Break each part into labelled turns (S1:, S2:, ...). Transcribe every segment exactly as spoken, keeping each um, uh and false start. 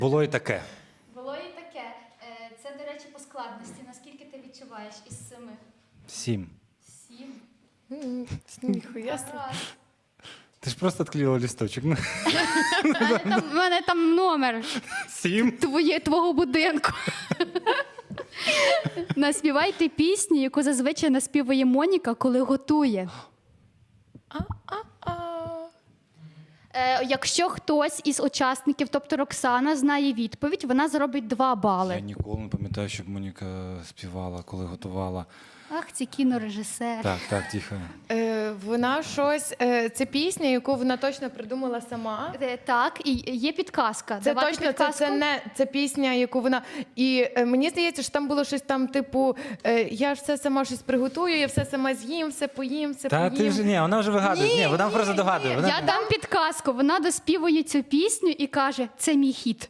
S1: Було і таке.
S2: Було і таке. Е, Це, до речі, по складності. Наскільки ти відчуваєш із семи?
S1: Сім.
S2: Сім.
S3: Ніхуя собі.
S2: Гаразд.
S1: Ти ж просто відклеїла лісточок. Ну,
S4: У мене там номер
S1: Сім.
S4: твоє, твого будинку. Наспівайте пісню, яку зазвичай наспіває Моніка, коли готує.
S3: А-а-а.
S4: Е, якщо хтось із учасників, тобто Роксана, знає відповідь, вона заробить два
S1: Я
S4: бали.
S1: ніколи не пам'ятаю, щоб Моніка співала, коли готувала.
S4: Ах, це кінорежисер.
S1: Так, так, тихо.
S3: Е, вона щось, е, це пісня, яку вона точно придумала сама.
S4: Е, Так, і є підказка.
S3: Це
S4: Давати
S3: точно, це,
S4: підказку?
S3: це не це пісня, яку вона. І е, мені здається, що там було щось там, типу, е, я ж все сама щось приготую, я все сама з'їм, все поїм, все
S1: Та
S3: поїм.
S1: ти вже ні, вона вже вигадує.
S3: Ні,
S1: Ні, вона
S3: ні,
S1: просто
S3: ні.
S1: догадує. Вона...
S4: Я дам підказку. Вона доспівує цю пісню і каже, це мій хіт.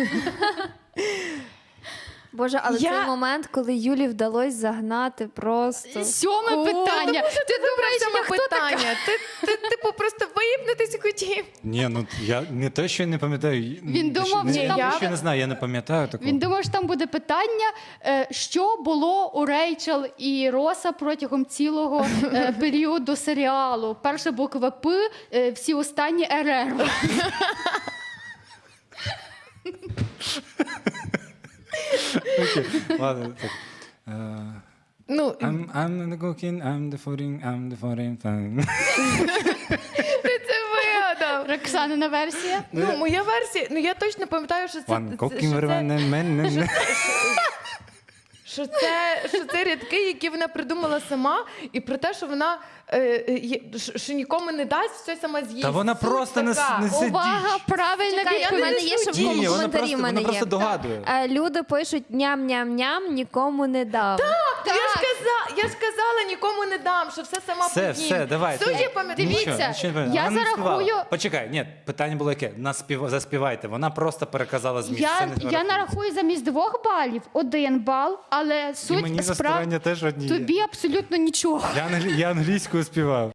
S5: Боже, але
S3: Я-
S5: цей момент, коли Юлі вдалося загнати просто.
S4: Сьоме
S3: О,
S4: питання.
S3: та
S4: Ти думаєш,
S3: Саме
S4: я хто така?
S3: питання. Ти, ти, типу, просто виїбнутися хотів.
S1: Ні, ну я не те, що я не пам'ятаю.
S4: Він
S1: Те, що-
S4: думав,
S1: не,
S4: що
S1: не
S4: там-
S1: те, що я не знаю, я не пам'ятаю такого.
S4: Він думав, що там буде питання, е, що було у Рейчел і Роса протягом цілого е, періоду серіалу. Перша буква П, е, всі останні РР.
S1: Окей, ладно, так. Е,
S3: Ну,
S1: I'm, I'm the cooking, I'm the fooding, I'm the fooding thing.
S3: ти це вигадав.
S4: Роксанина версія.
S3: Ну, моя версія, ну я точно пам'ятаю, що це,
S1: One
S3: це,
S1: cooking
S3: що,
S1: for
S3: це,
S1: one man.
S3: що, це, що це рядки, які вона придумала сама, і про те, що вона е, е, є- що- що нікому не дасть, все сама з'їсть.
S1: Та вона
S3: Суть
S1: просто не,
S3: така.
S1: не сидить.
S4: Увага, правильна
S5: Чекай, в
S4: відповідь.
S5: мене є ще
S1: Ні, ні, вона
S5: коментарі.
S1: просто,
S5: в мене
S1: вона
S5: є.
S1: просто догадує.
S5: Е, Люди пишуть ням-ням-ням, нікому не дав.
S3: Я ж казала, я ж казала, нікому не дам, що все сама
S1: Все,
S3: поїм.
S1: все, давай.
S3: Суть
S1: ти-
S3: я пам'ятаю.
S4: Дивіться,
S1: Нічого, нічого не пам'ятаю.
S4: я
S1: Вона не
S4: зарахую-
S1: співала. Почекай, ні, питання було яке? Наспів... Заспівайте. Вона просто переказала зміст. Це
S4: Я,
S1: не
S4: я
S1: рахується.
S4: нарахую замість двох балів один бал, але
S1: І
S4: суть
S1: мені за
S4: справ
S1: старання теж одні є.
S4: тобі абсолютно нічого.
S1: Я, англі... я англійською співав.